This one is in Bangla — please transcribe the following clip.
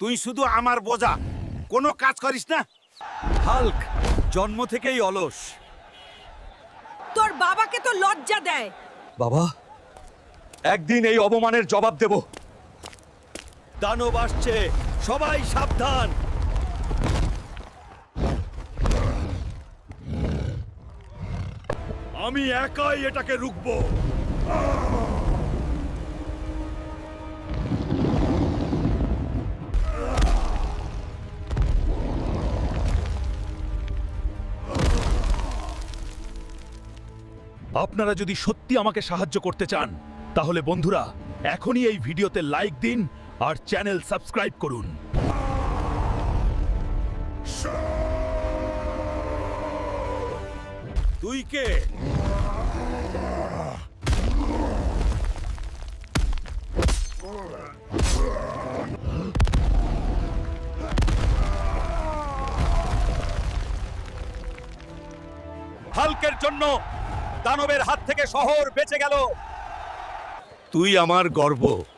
তুই শুধু আমার বোঝা, কোনো কাজ করিস না। হাল্ক জন্ম থেকেই অলস। তোর বাবাকে তো লজ্জা দেয়। বাবা, একদিন এই অপমানের জবাব দেব। দানব আসছে, সবাই সাবধান। আমি একাই এটাকে রুখবো। আপনারা যদি সত্যি আমাকে সাহায্য করতে চান তাহলে বন্ধুরা এখনই এই ভিডিওতে লাইক দিন আর চ্যানেল সাবস্ক্রাইব করুন। তুই কে? হাল্কের জন্য দানবের হাত থেকে শহর বেঁচে গেল। তুই আমার গর্ব।